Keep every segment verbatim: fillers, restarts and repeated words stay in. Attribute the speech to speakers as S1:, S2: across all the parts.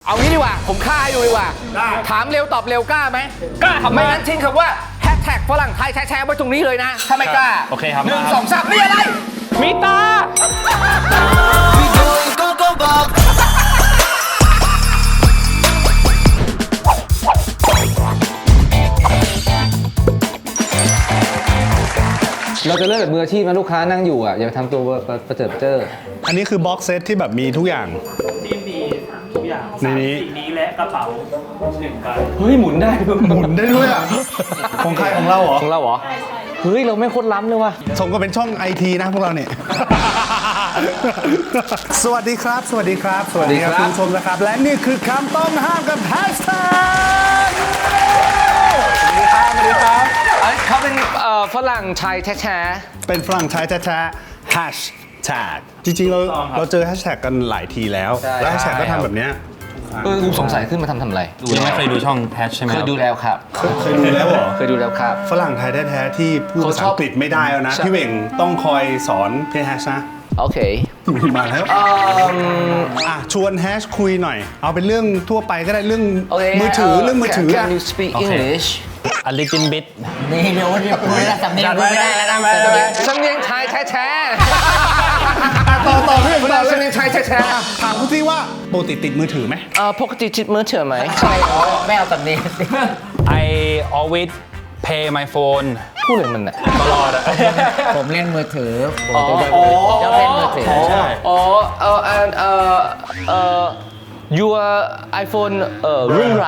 S1: เอางี้ดีกว่าผมฆ่าให้ดูดีกว่าถามเร็วตอบเร็วกล้าไหมกล้าครับไม่งั้นทิ้งคำว่าแฮชแท็กฝรั่งไทยแชร์ไว้ตรงนี้เลยนะถ้าไม่กล้า
S2: โอเคครับ
S1: หนึ่งสองสามนี่อะไร
S2: มีตา
S1: เราจะเลิกแบบมืออาชีพนะลูกค้านั่งอยู่อ่ะอย่าไปทำตัวประเจิดเจ้อ
S3: อันนี้คือบ็อกเซตที่แบบมีทุกอย่าง
S4: ทีมดีทุกอย่างในนี้สิ่งนี้และกระเป๋าหนึ่งใบ
S1: เฮ้ยหมุนได้
S3: หมุนได้ด้วยอ่ะของใครของเราเหรอ
S1: ของเราเหรอเฮ้ยเราไม่โคตรล้ำเลยว่ะ
S3: สมก็เป็นช่องไอทีนะพวกเราเนี่ยสวัสดีครับสวัสดีครับสวัสดีครับคุณผู้ชมนะครับและนี่คือคำต้องห้ามกับแฮชแท็กสวัสดีครับสวัสดีครับ
S1: เขาเป็นฝรั่งชายแท้
S3: ๆเป็นฝรั่งชายแท้ๆแฮชแท็กจริงๆเราเราเจอแฮชแท็กกันหลายทีแล้วแล้วแฮชแท็กก็ทำแบบเนี้ย
S1: เออสงสัยขึ้นมาทำทำอะไร
S2: ยังไม่เคยดูช่องแฮชใช่ไหม
S1: เคยดูแล้วครับ
S3: เคยดูแล้วเหรอ
S1: เคยดูแล้วครับ
S3: ฝรั่งไทยแท้ๆที่พูดภาษาอังกฤษไม่ได้แล้วนะพี่เบ่งต้องคอยสอนพี่แฮชนะ
S1: โอเค
S3: มาแล้วอ่ะชวนแฮชคุยหน่อยเอาเป็นเรื่องทั่วไปก็ได้เรื่องมือถือเรื่องมือถือ
S1: Can you speak English
S2: a little bit
S5: นี่เดี๋ยววันนี้คุยแล้วสำเนียงไม่ได้แล้วนะ
S1: สำเนียงชายแท้
S3: ๆต่อต่อเรื่องต่อ
S1: สำเนียงชายแท้
S3: ๆถามคุณที่ว่าปกติติดมือถือไหม
S1: เออปกติติดมือถือไหม
S5: ใช่ไม่เอาสำเนียง
S2: I always pay my phone
S1: พูดเลยมันน่ะ
S2: ตลอดอะ
S5: ผมเล่นมือถือผมจะเล่นมือถือ
S1: ใช่อ๋อเออเออเออเออ your iPhone เอ่อรุ่นไร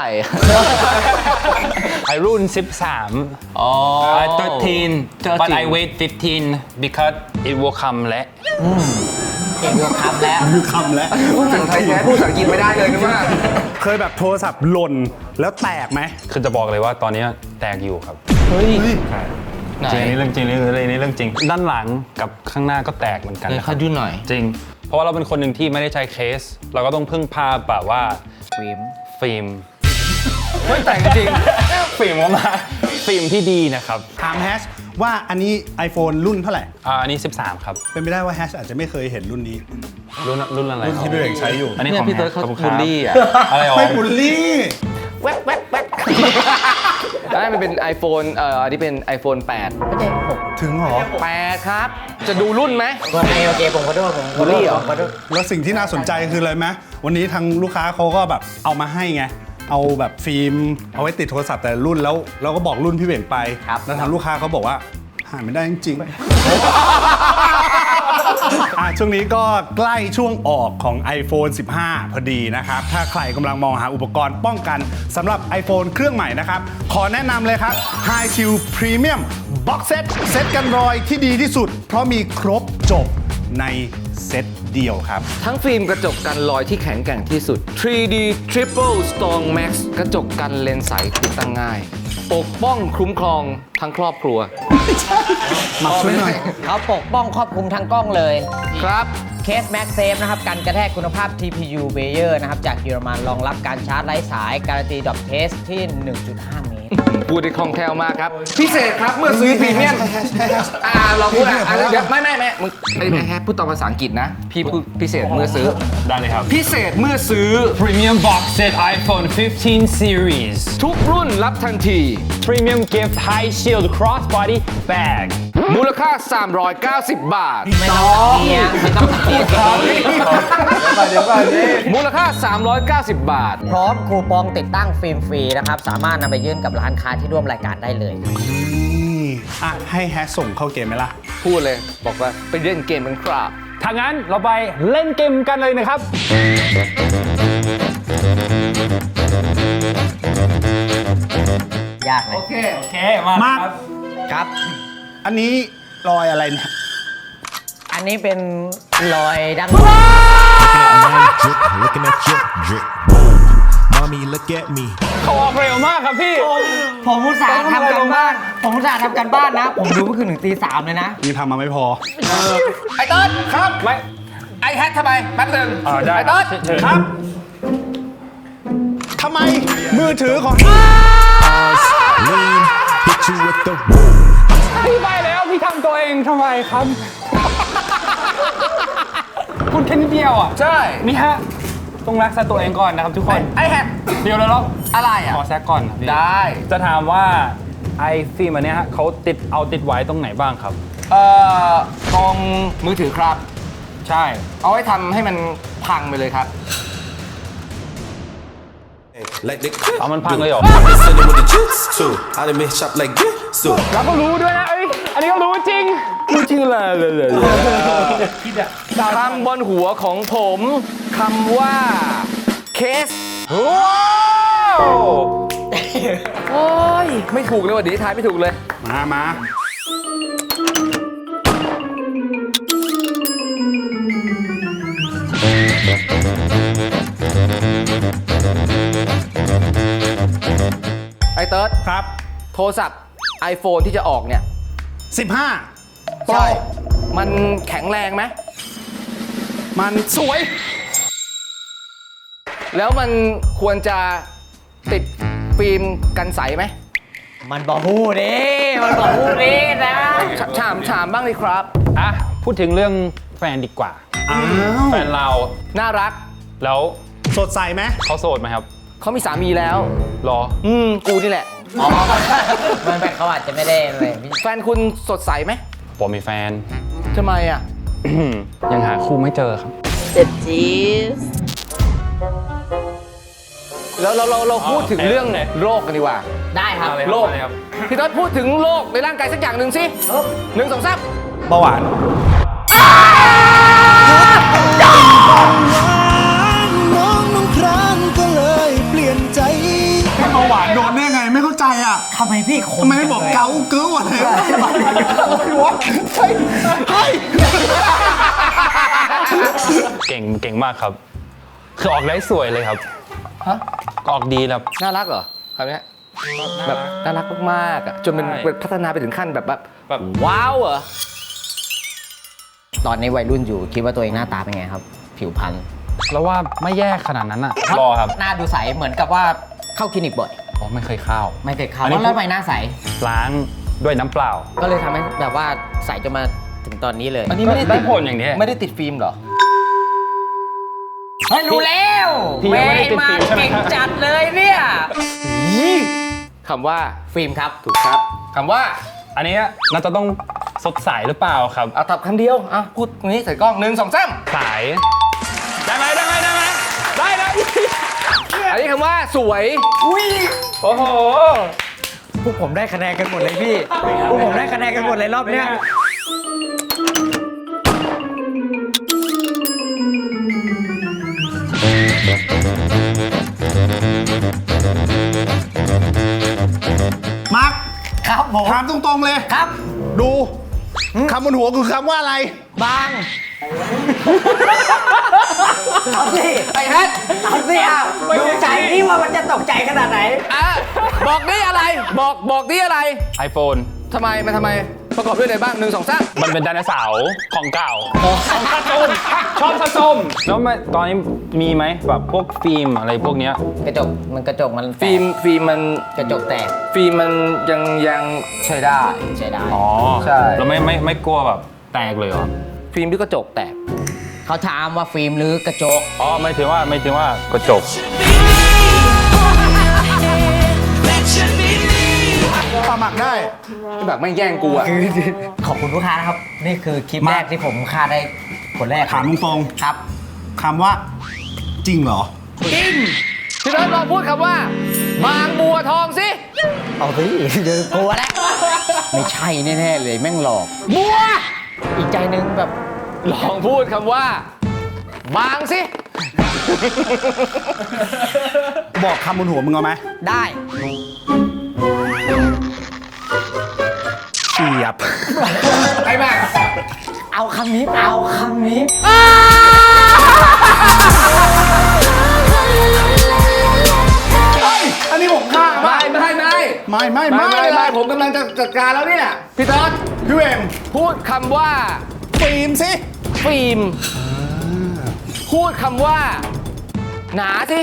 S2: I รุ่นสิบสาม
S1: อ๋อ
S2: I thirteen but I wait fifteen because it will come และ
S5: เก่งคำแล้ว
S3: คือคำแล้ว
S1: พูดภาษาไทยแท้พูดภาษาอังกฤษไม่ได้เลยนะว่า
S3: เคยแบบโทรศัพท์หล่นแล้วแตกไหม
S2: คือจะบอกเลยว่าตอนนี้แตกอยู่ครับ
S1: เฮ้ย
S2: จริงนี่เรื่องจริงนี่นี่เรื่องจริงด้านหลังกับข้างหน้าก็แตกเหมือนกัน
S1: เขาดูหน่อย
S2: จริงเพราะว่าเราเป็นคนหนึ่งที่ไม่ได้ใช้เคสเราก็ต้องพึ่งพาแบบว่า
S5: ฟิล์ม
S2: ฟิล์ม
S1: ไม่แต่งจริง
S2: ฟิล์มออกมาฟิล์มที่ดีนะครับ
S3: ถามแฮชว่าอันนี้ iPhone รุ่นเท่าไหร่
S2: อ่าอันนี้สิบสามครับ
S3: เป็นไปได้ว่าแฮชอาจจะไม่เคยเห็นรุ่นนี้
S2: รุ่นรุ่นอะไร
S3: รุ่นที่พี่เอกใช้อยู่
S2: อันนี้ของ
S1: พี่เติร์ดเขาบูลลี่อ่ะ
S2: อะไรอ๋อ
S3: ไม่บูลลี่
S1: แว๊บแว๊บแว๊บอันนี้มันเป็น iPhone เอ่ออันนี้เป็น iPhone แปด
S5: ไม่ใช่หก
S3: ถึงหรอ
S1: แปดครับจะดูรุ่นไหม
S5: โอเคโอเคผมขอโทษผม
S1: บูลลี่เหรอ
S3: แล้วสิ่งที่น่าสนใจคืออะไรไหมวันนี้ทางลูกค้าเขาก็แบบเอามาให้ไงเอาแบบฟิล์มเอาไว้ติดโทรศัพท์แต่รุ่นแล้วเราก็บอกรุ่นพี่เบ่งไปแล้วทางลูกค้าเขาบอกว่าหาไม่ได้จริงๆอ่ะช่วงนี้ก็ใกล้ช่วงออกของ iPhone สิบห้า พอดีนะครับถ้าใครกำลังมองหาอุปกรณ์ป้องกันสำหรับ iPhone เครื่องใหม่นะครับขอแนะนำเลยครับ High Q Premium Box Set เซตกันรอยที่ดีที่สุดเพราะมีครบจบในเซตเดียวครับ
S1: ทั้งฟิล์มกระจกกันรอยที่แข็งแกร่งที่สุด ทรี ดี Triple Strong Max กระจกกันเลนส์ใสติดตั้งง่ายปกป้องคุ้มครองทั้งครอบครัว
S3: มาช่วยหน่อย
S5: เขาปกป้องครอบคลุมทั้งกล้องเลย
S1: ครับ
S5: เคส Max Safe นะครับกันกระแทกคุณภาพ ที พี ยู Bayer นะครับจากเยอรมันรองรับการชาร์จไร้สายการันตีดรอปเทสที่ หนึ่งจุดห้า เมตร
S1: พูดได้คล่องแคล่วมากครับพิเศษครับเมื่อซื้อพรีเมียมอ่าเราพูดอ่ะเดี๋ยวไม่ไม่ไม่มึงไม่แฮปพูดตามภาษาอังกฤษนะพี่พูดพิเศษเมื่อซื้อ
S2: ได้เลยครับ
S1: พิเศษเมื่อซื้อ
S2: Premium Box Set iPhone สิบห้า Series
S1: ทุกรุ่นรับทันที
S2: Premium Gift High Shield Crossbody Bag
S1: มูลค่าสามร้อยเก้าสิบบาท
S5: ไม่ต้องเสียไม่ต้องเสีย
S1: เดี๋ยวก่อนนี่มูลค่าสามร้อยเก้าสิบบาท
S5: พร้อมคูปองติดตั้งฟิล์มฟรีนะครับสามารถนำไปยื่นกับร้านค้าที่ร่วมรายการได้เลย
S3: อ่ะให้แฮชส่งเข้าเกมไหมล่ะ
S1: พูดเลยบอกว่าไปเล่นเกมกันครับ
S2: ถ้างั้นเราไปเล่นเกมกันเลยนะครับ
S5: ยากเลย
S1: โอเค
S2: โอเคมาครับ
S5: ครับ
S3: อันนี้รอยอะไรเนี่ย
S5: อันนี้เป็นรอยดัง
S2: เขาออกเร็วมากครับพี่
S5: ผมอุตส่าห์ทำกันบ้านผมอุตส่าห์ทำกันบ้านนะผมดูเมื่อคืนถึงตีสามเลยนะ
S3: นี่ทำมาไม่พอ
S1: ไอ้เติ้ลครับ
S2: ไม่
S1: ไอ้แฮททำไมแป๊บนึง
S2: ไอ้
S1: เติ้ล
S3: ครับทำไมมือถือของ
S2: พี่ไปแล้วพี่ทำตัวเองทำไมครับคุณแค่นิดเดียวอ่ะ
S1: ใช่
S2: นี่ฮะต้องรักษาตัวเองก่อนนะครับทุกคน
S1: ไอ้แฮก
S2: เดี๋ยวเราเรา
S1: อะไรอ่ะ
S2: ขอแซกก่อนนะพี่
S1: ได้
S2: จะถามว่าไอฟิล์มอันเนี้ยฮะเขาติดเอาติดไว้ตรงไหนบ้างครับ
S1: เอ่อตรงมือถือครับ
S2: ใช่
S1: เอาไว้ทำให้มันพังไปเลยครับ
S6: Like they
S2: เอามันพังเลยเหรอ
S6: I been sending with the jits too. I done been shop like this too.
S2: เราก็รู้ด้วยนะเอ้ยอันนี้ก็รู้จริงรู้จริงเลยเลยเลย
S1: คำบนหัวของผมคำว่าเคส
S2: ว้าว
S1: โอ้ยไม่ถูกเลยว่ะดีทายไม่ถูกเลย
S3: มามา
S1: ไอ้เติร์ด
S3: ครับ
S1: โทรศัพท์ iPhone ที่จะออกเนี่ย
S3: สิบห้า
S1: ใช่ มันแข็งแรงไหม
S3: มันสวย
S1: แล้วมันควรจะติดฟิล์มกันใสไหม
S5: มันบอกฮู้ดิมันบอกฮู้ดินะ
S1: ฉถามถามบ้างเลยครับ
S2: อ่ะพูดถึงเรื่องแฟนดีกว่า
S3: อ้าว
S2: แฟนเรา
S1: น่ารัก
S2: แล้ว
S3: สดใสไหม
S2: เขาโสดไหมครับ
S1: เขามีสามีแล้ว
S2: รอ
S1: อืม กูนี่แหละ
S5: อ๋อมันไปเขาอาจจะไม่ได้เลยพี่
S1: แฟนคุณสดใสไหม
S2: ผมมีแฟน
S1: ทำไมอ่ะ
S2: ยังหาคู่ไม่เจอครับ
S7: เจ็บจี๊ด
S1: แล้วเราเราเราพูดถึง
S2: อ๋อ
S1: เรื่อง
S2: ไหน
S1: โรคกันดีกว่า
S5: ได้ครับ
S2: มาเลย
S1: โรค
S2: มาเลยครับ
S1: พี่ต้นพูดถึงโรคในร่างกายสักอย่างหนึ่งสิหนึ่งสองสาม
S3: เบาหวาน
S8: น้องน้องครานก็เลยเปลี่ยนใจ
S3: ให้เบาหวานโดนได้ไงไม่เข้าใจอ่ะ
S5: ทำไมพี่ค
S3: ทำ
S5: น
S3: ไมไม่บอกเกาเกิ้วอะไรวะวะเฮ้ยเฮ้ย
S2: เก่งเก่งมากครับ คือออกได้สวยเลยครับ
S1: ฮะ
S2: ออกดีแล้ว
S1: น่ารักเหรอคำเนี้ยแบบน่ารักมากๆอ่ะจนเป็น
S2: ใช่
S1: เป็นพัฒนาไปถึงขั้นแบบแบบ
S2: แบบ
S1: ว้าวเหรอ
S5: ตอนนี้วัยรุ่นอยู่คิดว่าตัวเองหน้าตาเป็นไงครับ ผิวพรรณ
S2: แล้วว่าไม่แย่ขนาดนั้นอ่ะ รอครับ
S5: หน้าดูใสเหมือนกับว่าเข้าคลินิกบ่อย
S2: อ๋อไม่เคยเข้า
S5: ไม่เคยเข้า
S2: อันนี้
S5: แล้วทำไมหน้าใส
S2: ล้างด้วยน้ำเปล่า
S5: ก็เลยทำให้แบบว่าใสจนมาถึงตอนนี้เลย
S1: อันนี้ไม่ได้
S2: ได้
S1: ติด
S2: ผลอย่างนี้
S1: ไม่ได้ติดฟิล์มเหรอ
S5: เฮ้ยรู้แล้ว
S2: พี่ยังไม่ได้ติด
S5: มา
S2: ฟิล์มใช่ไหม
S5: เก่งจัดเลยเนี่ย
S1: คำว่า
S5: ฟิล์มครับ
S1: ถูกครับคำว่า
S2: อันนี้น่าจะต้องสดใสหรือเปล่าครับ
S1: เอาตับคำเดียวอ่ะพูดตรงนี้ใส่กล้องหนึ่งสองสาม
S2: สาย ได้ไหมได้ไหมได้ไหมได้นะ
S1: อันนี้คำว่าสวย
S2: โอ้โห
S5: พวกผมได้คะแนนกันหมดเลยพี่ พวกผมได้คะแนนกันหมดเลยรอบเนี้ย
S3: มาร์ค
S5: ครับผม
S3: ถามตรงๆเลย
S5: ครับ
S3: ดูคำบนหัวคือคำว่าอะไร
S5: บางเอาสิ
S1: ไอ้แฮท
S5: เอาสิอ่ะดูใจนี่ว่ามันจะตกใจขนาดไหน
S1: อ่ะบอกนี่อะไร บอกบอกนี่อะไร
S2: iPhone
S1: ทำไมมันทำไมประกอบด้วยอะไรบ้างหนึ่งสองสาม
S2: มันเป็นไดโนเสาร์ของเก่าของสะสมชอบสะสมแล้วไม่ตอนนี้มีไหมแบบพวกฟิล์มอะไรพวกเนี้ย
S5: กระจกมันกระจกมันแตก
S1: ฟิล์มฟิล์มมัน
S5: กระจกแตก
S1: ฟิล์มมันยังยังใช้ได้
S5: ใช้ได้
S2: อ๋อ
S1: ใช่
S2: แล้วไม่ไม่ไม่กลัวแบบแตกเลยเหรอ
S1: ฟิล์มที่กระจกแตก
S5: เขาถามว่าฟิล์มหรือกระจก
S2: อ๋อไม่ถึงว่าไม่ถึงว่ากระจก
S3: ปลาหมักได้
S1: แบบไม่แย่งกูอ่ะ
S5: ขอบคุณลูกค้านะครับ นี่คือคลิปแรกที่ผมคาดได้คนแรก
S3: ถามตรง
S5: ครับ
S3: ๆคำว่า จริงเหรอ
S1: พี่เบิร์ดลองพูดคำว่า บางบัวทองสิ
S5: เอาสิเดี๋ยวกลัวแล้ว ไม่ใช่แน่ๆเลยแม่งหลอก
S1: บัว
S5: อีกใจหนึงแบบ
S1: ลองพูดคำว่า บางสิ
S3: บอกคำบนหัวมึงเอาไหม
S5: ได้
S3: เฉียบ
S1: ไอ้แม่ง
S5: เอาคำนี้เอาคำนี้
S3: อันนี้ผมฆ่า
S1: ไม่ไม่ไม่
S3: ไม่ไม่
S1: ไม่
S3: ไม่
S1: ไม่
S3: เล
S1: ไม่
S3: ย
S1: ผมกำลังจะจัดการแล้วเนี่ย พี่ต๊อด
S3: พี่เวง
S1: พูดคำว่า
S3: ฟิล์มสิ
S1: ฟิล์ม พูดคำว่า หนาสิ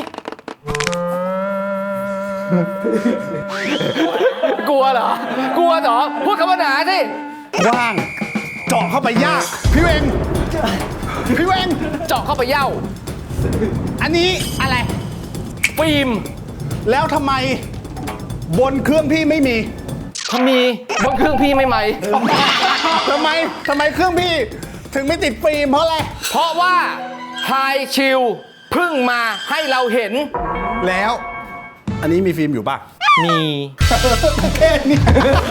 S1: กลัวเหรอ กลัวเหรอ พูดคำว่าหนาสิ
S3: ว่าง เจาะเข้าไปยาก พี่เวง พี่เวง
S1: เจาะเข้าไปเย่า
S3: อันนี้อะไร
S1: ฟิล์ม
S3: แล้วทำไมบนเครื่องพี่ไม่มี
S1: ถ้ามีบนเครื่องพี่ไม่ไหม
S3: ทำไมทำไมเครื่องพี่ถึงไม่ติดฟิล์มเพราะอะไร
S1: เพราะว่าไฮชิลเพิ่งมาให้เราเห็น
S3: แล้ว อันนี้มีฟิล์มอยู่ป่ะ
S1: มี
S3: แค่นี้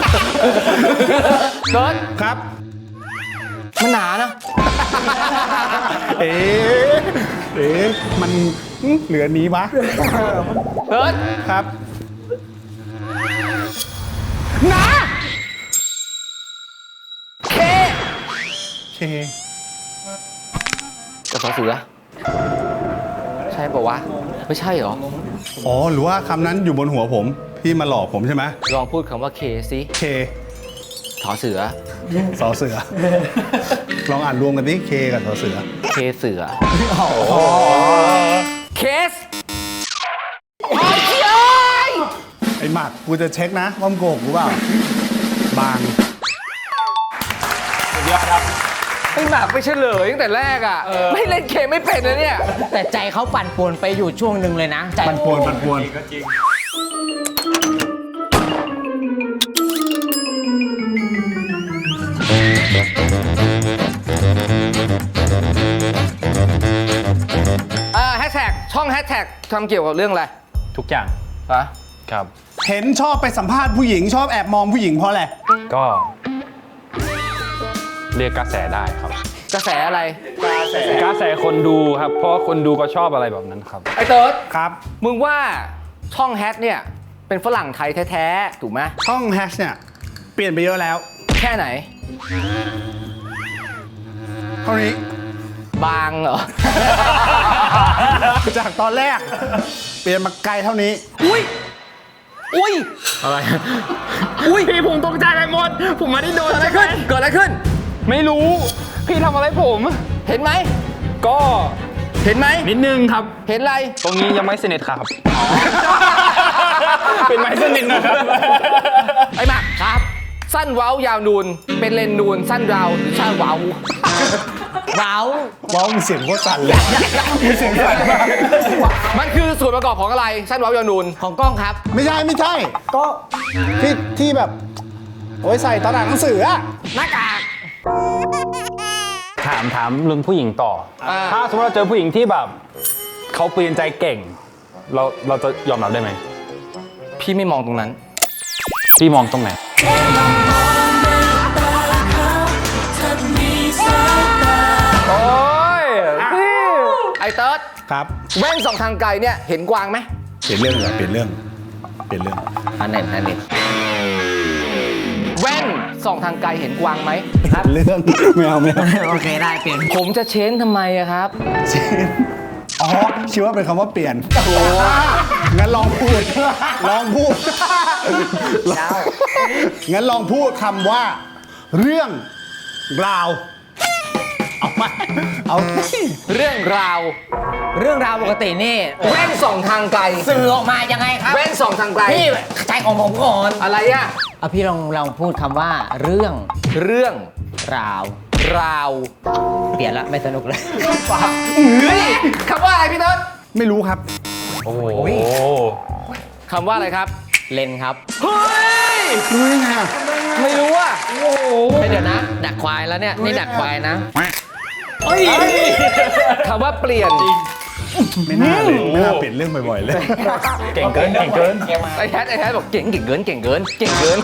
S1: เกิร์ด
S3: ครับ
S1: มันหนานะ
S3: เอ๊ะเอ๊ะมันเหลือนี้วะ
S1: เกิร์ด
S3: ครับ
S1: หนาเค
S3: เค
S1: กับสอเสือ ใช่ปะวะ ไม่ใช่เหรอ
S3: อ๋อ หรือว่าคำนั้นอยู่บนหัวผม พี่มาหลอกผมใช่ไหม
S1: ลองพูดคำว่าเคสิ
S3: เค
S1: สอเสือ
S3: สอเสือ ลองอ่านรวมกันดิเคกับสอเสือ
S1: เคเสือเคสไอ้เชี่ย
S3: ไอ้หมักกูจะเช็คนะว่ามึงโกหกกูเปล่า บาง
S2: สุดยอดครับ
S1: ไอ้หมากไม่เฉลยตั้งแต่แรกอ่ะ ไม่เล่นเคไม่เป็นนะเนี่ย
S5: แต่ใจเขาปั่นป่วนไปอยู่ช่วงหนึ่งเลยนะใจ
S3: ปันปวนปันปวน
S1: อ่าแฮชแท็กช่องแฮชแท็กทำเกี่ยวกับเรื่องอะไร
S2: ทุกอย่าง
S1: ฮะ
S2: ครับ
S3: เห็นชอบไปสัมภาษณ์ผู้หญิงชอบแอบมองผู้หญิงเพราะอะไร
S2: ก็ เรียกกระแสได้ครับ
S1: กระแสอะไร
S2: กระแสคนดูครับ เพราะว่าคนดูก็ชอบอะไรแบบนั้นครับ
S1: ไอ้เติร์ด
S3: ครับ
S1: มึงว่าช่องแฮชเนี่ย เป็นฝรั่งไทยแท้ๆ ถูกไหม
S3: ช่องแฮชเนี่ย เปลี่ยนไปเยอะแล้ว
S1: แค่ไหน
S3: เท่านี้
S1: บางเหรอ
S3: จากตอนแรก เปลี่ยนมาไกลเท่านี้
S1: อุ้ย อุ้ย
S2: อะไร
S1: อุ้ย
S2: พี่ผมตกใจไปหมด ผมไม่ได้โดน
S1: เกิดอะไรขึ้น เกิดอะไรขึ้น
S2: ไม่รู้ พี่ทำอะไรผม
S1: เห็นไหม
S2: ก็
S1: เห็นไหม
S2: นิดนึงครับ
S1: เห็นอะไร
S2: ตรงนี้ยังไม่สนิทครับ เป็นไม้สนิทนะครับ
S1: ไอ้หมากครับ สั้นเว้ายาวนูน เป็นเลนนูน สั้นยาวหรือชาเว้า
S5: เว้า
S3: ว้าวมีเสียงโคตรสั่นเลยมีเสียงสั่นมาก
S1: มันคือส่วนประกอบของอะไร สั้นเว้ายาวนูน
S5: ของกล้องครับ
S3: ไม่ใช่ไม่ใช่ ก็ที่ที่แบบ โอ้ยใส่ตอนอ่านหนังสืออะ
S5: หน้ากาก
S2: ถามถามเรื่องผู้หญิงต่อ
S1: อ่า
S2: ถ้าสมมติเราเจอผู้หญิงที่แบบเขาเปลี่ยนใจเก่ง เราเราจะยอมรับได้ไหม
S1: พี่ไม่มองตรงนั้น
S2: พี่มองตรงไหน
S1: โอ้ยไอ้เติร์ด
S3: ครับ
S1: แว่นสองทางไกลเนี่ย เห็นกวางไหม
S3: เปลี่ยนเรื่องเหรอเปลี่ยนเรื่อง เปลี่ยนเรื่อง
S5: อันเน็ตอันเน็ต
S1: แว่นสองทางไกลเห็นกวางไหม
S3: ครับเรื่อง ไม่เอาไม่เอา
S5: โอเคได้เปลี่ยน
S1: ผมจะเช้นทำไมอะครับ
S3: เชนอ๋อคิดว่าเป็นคำว่าเปลี่ยนโอ้งั้นลองพูด ลองพูด งั้นลองพูดคำว่า เรื่องราว เอามาเอาสิ
S1: เรื่องราว
S5: เรื่องราวปกตินี่
S1: แว่นสองทางไกล
S5: สื่อออกมายังไงครับ
S1: แว่นสองทางไกล
S5: พี่ใจของผมก่อน
S1: อะไรอะ
S5: เอาพี่ลองลองพูดคำว่า เรื่อง
S1: เรื่อง
S5: ราว
S1: ราว
S5: เปลี่ยนละไม่สนุกเลย
S1: เฮ้ยคำว่าอะไรพี่เติร์ด
S3: ไม่รู้ครับ
S2: โอ้โห
S1: คำว่าอะไรครับ
S5: เลนครับ
S1: เฮ้ย
S3: รู้ได้ไงอะ
S1: ไม่รู้อะ
S5: เฮ้ยเดี๋ยวนะ ดักควายแล้วเนี่ย นี่ดักควายนะ
S1: คำว่าเปลี่ยน
S3: ไม่น่าเลย ไม่น่าเปลี่ยนเรื่องบ่อยๆเลย
S2: เก่งเกิน เก่งเกิน
S1: ไอ้แฮทไอ้แฮทบอกเก่งเก่งเกินเก่งเกินเก่งเกิน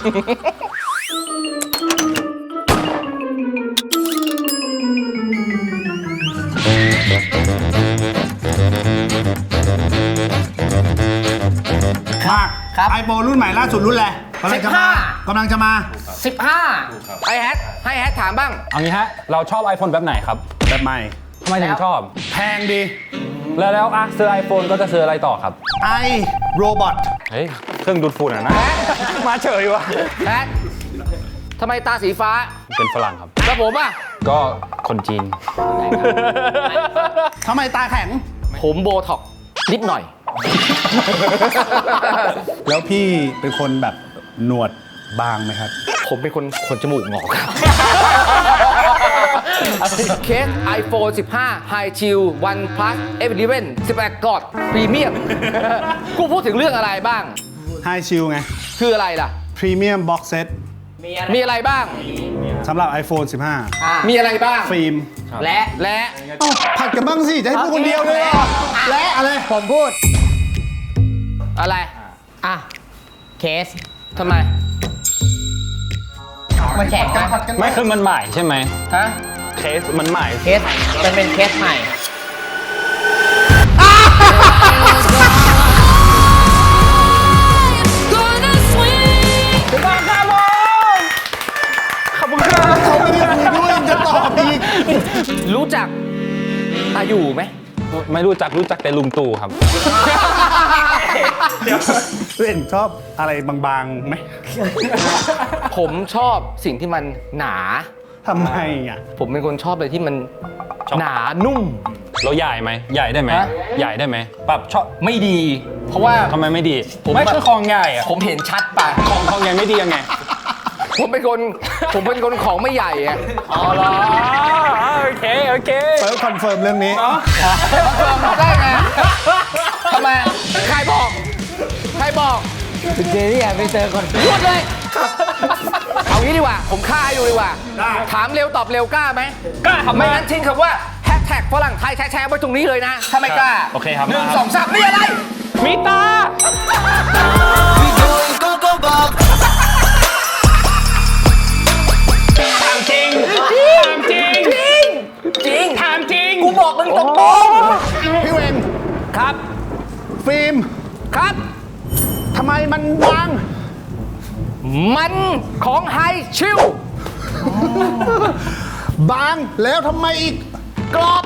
S3: มาก
S5: ครับ
S3: ไอโฟนรุ่นใหม่ล่าสุดรุ่นอะไรกำลังจะมา
S5: สิบห้า
S3: กำลังจะมา
S5: สิบห้า
S1: ไอ้แฮทให้แฮทถามบ้าง
S2: เอางี้ฮะ เราชอบ iPhone แบบไหนครับ
S3: แบบใหม่
S2: ทำไมถึงชอบ
S3: แพงดี
S2: แล้วแล้วอ่ะซื้อ iPhone ก็จะซื้ออะไรต่อครับ
S3: ไอโรบอท
S2: เฮ้ย เครื่องดูดฝุ่นอ่ะนะ มาเฉยวะ
S1: แฮททำไมตาสีฟ้า
S2: เป็นฝรั่งครับ
S1: แล้วผมอ่ะ
S2: ก็คนจีน
S3: ทำไมตาแข็ง
S1: ผมโบท็อกซ์นิดหน่อย
S3: แล้วพี่เป็นคนแบบหนวดบางไหมครับ
S1: ผมเป็นคนขนจมูกงอกครับเคส iPhone สิบห้า High Chill One Plus เอฟ สิบเอ็ด สิบแปดกอดพรีเมียม กูพูดถึงเรื่องอะไรบ้าง
S3: ไฮชิลไง
S1: คืออะไรล่ะ
S3: พรีเมียมบ็อกเซต
S1: มีอะไรบ้าง
S3: สำหรับ iPhone สิบห้า
S1: มีอะไรบ้าง
S3: ฟิล์ม
S5: และ
S1: และ
S3: เอ้าผัดกันบ้างสิ จะให้พูดคนเดียวเลยเหรอและอะไร
S5: ผมพูด
S1: อะไร
S5: อ่ะ เคส
S1: ทำไม
S5: มันแข็งนะ
S2: ไม่คือมันใหม่ใช่ไหม
S1: ฮะ
S2: เคสมันใหม่
S5: เคส มันเป็นเคสใหม่
S3: เขาไม่ได้คุยด้วยจะตอบอีก
S1: รู้จักอายุไหม
S2: ไม่รู้จักรู้จักแต่ลุงตู่ครับ
S3: เล่นชอบอะไรบางๆไหม
S1: ผมชอบสิ่งที่มันหนา
S3: ทำไมอ่ะ
S1: ผมเป็นคนชอบอะไรที่มัน
S2: ชอบ
S1: หนานุ่ม
S2: เราใหญ่ไหมใหญ่ได้ไหม
S1: ฮะ
S2: ใหญ่ได้ไหมแบบชอบ
S1: ไม่ดี เพราะว่า
S2: ทำไมไม่ดี
S1: ผม
S2: ไม่คือของใหญ่อะ
S1: ผมเห็นชัดไป
S2: ของของใหญ่ไม่ดียังไง
S1: ผมเป็นคน ผมเป็นคนของไม่ใหญ่อะ
S2: อ๋อเหรอโอเคโอเค
S3: เฟิร์สคอนเฟิร์มเรื่องนี้
S1: เฟิร์มได้ไงทำไม ใครบอก ใครบอก
S5: เจนี่อ่ะไปเจอคน
S1: หยุดเลย เอางี้ดีกว่า ผมฆ่าให้ดูดีกว่า
S3: ได้
S1: ถามเร็วตอบเร็วกล้าไหม
S2: กล้าครับ
S1: ไม่งั้นทิ้งคำว่าแฮชแท็กฝรั่งไทยแชร์ๆไว้ตรงนี้เลยนะ ถ้าไม่กล้า
S2: โอเคครับ
S1: หนึ่ง
S2: มาครับ
S1: สองสามนี่อะไร
S2: มีตา
S8: We going go go bob
S2: ถามจริงถามจริง
S1: จริง
S2: ถามจริง
S1: กูบอกมึงตรง
S3: พี่เวง
S1: ๆครับ
S3: ฟิล์ม
S1: ครับ
S3: ทำไมมันบาง
S1: มันของไฮชิล
S3: บางแล้วทำไมอีก
S1: กรอบ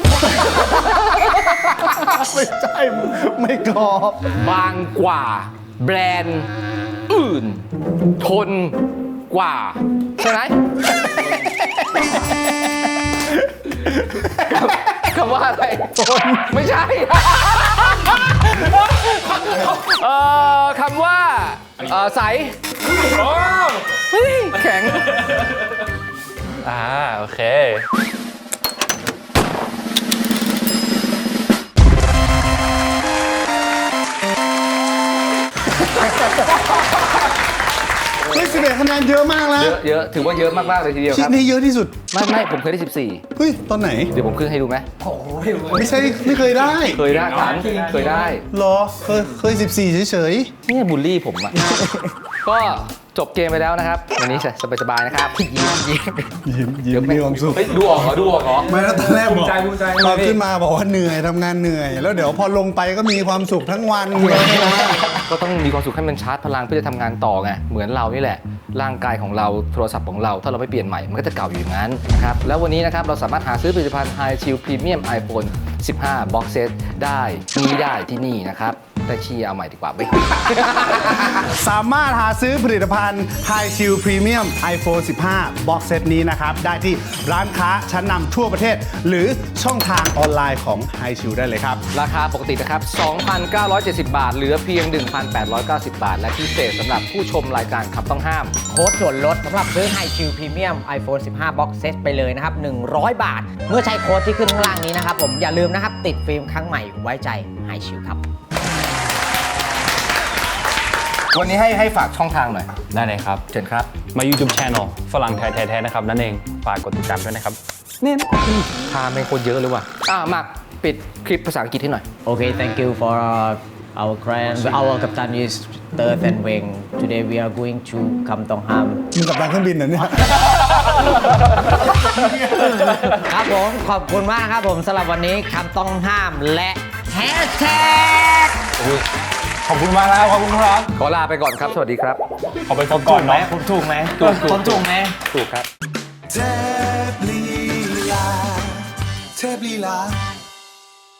S3: ไม่ใช่ ไม่กรอบ
S1: บางกว่า แบรนด์อื่น ทนกว่า ใช่ไหม คำว่าอะไรทนไม่ใช่ เอ่อคำว่าเอ่อใสเฮ้ยแข็ง
S2: อ่าโอเค
S3: เฮ้ยสิบเอ็ดคะแนนเยอะมากแล้ว
S1: เยอะเยอะถือว่าเยอะมากๆเลยทีเดียว
S3: คิ
S1: ค
S3: ด
S1: รับ
S3: นี้เยอะที่สุด
S1: ไม่ไม่ผมเคยได้สิบสี่
S3: เฮ้ย ตอนไหน
S1: เดี๋ยวผมขึ้นให้ดูไหม
S3: ไม่ใช่ ไม่เคยได้
S1: เคยได้ถามเคยได้
S3: เหรอ เคย เคยสิบสี่เฉย
S1: เนี่ยบูลลี่ผมอะ ก็จบเกมไปแล้วนะครับ วันนี้สบายๆนะครับยิ้มยิ้ม
S3: ๆ ยิ้มยิ้มมีความสุข
S1: เฮ้ยดูออกเหรอดูออกเหรอ
S3: ไม่แล้วตอนแรกบอกตอนขึ้นมาบอกว่าเหนื่อยทำงานเหนื่อย แล้วเดี๋ยวพอลงไปก็มีความสุขทั้งวันเลยนะ
S1: ก็ต้องมีความสุขให้มันชาร์จพลังเพื่อจะทำงานต่อไง เหมือนเรานี่แหละ ร่างกายของเราโทรศัพท์ของเรา ถ้าเราไม่เปลี่ยนใหม่ มันก็จะเก่าอยู่อย่างนั้นนะครับ แล้ววันนี้นะครับ เราสามารถหาซื้อผลิตภัณฑ์ High Chill Premium iPhone สิบห้า Box Set ได้นี้ได้ที่นี่นะครับ แต่ชี้เอาใหม่ดีกว่าไป
S3: สามารถหาซื้อผลิตภัณฑ์ High Chill Premium iPhone สิบห้า Box Set นี้นะครับ ได้ที่ร้านค้าชั้นนำทั่วประเทศ หรือช่องทางออนไลน์ของ High Chill ได้เลยครับ
S1: ราคาปกตินะครับ สองพันเก้าร้อยเจ็ดสิบ บาท เหลือเพียง หนึ่งพันแปดร้อยเก้าสิบ บาท และพิเศษสำหรับผู้ชมรายการขับต้องห้าม
S5: โค้ดส่วนลดสำหรับซื้อ High Chill Premium iPhone สิบห้า Box Set ไปเลยนะครับ หนึ่งร้อยบาท เมื่อใช้โค้ดที่ขึ้นข้างล่างนี้นะครับผม อย่าลืมนะครับ ติดฟิล์มครั้งใหม่ไว้ใจ High Chill ครับ
S1: วันนี้ให้ให้ฝากช่องทางหน่อย
S2: ได้เลยครับ
S1: เชิญครับ
S2: มา YouTube Channel ฝรั่งไทยแท้ๆนะครับนั่นเองฝากกดติดตามด้วยนะครับ
S1: พาไม่คนเยอะเลยว่ะ อ่ะมากปิดคลิปภาษาอังกฤษให้หน่อย
S5: Okay, thank you for uh, our client. Our captain is Third and Wing. Today we are going to Kam Tong Ham.
S3: มึงกับตังเครื่องบินเหรอเนี่ย
S5: ครับผม ขอบคุณมากครับผมสำหรับวันนี้คำต้องห้ามและแฮชแท็ก
S2: ขอบคุณมากแล้วขอบคุณครับ
S1: ขอลาไปก่อนครับ สวัสดีครับ
S2: ขอไปพบก่อนเนาะ
S5: ผมถูกไหม
S1: ถูกถูก
S5: ผมถูกไหม
S1: ถูกครับ
S8: เทพลีลาเทพลีลา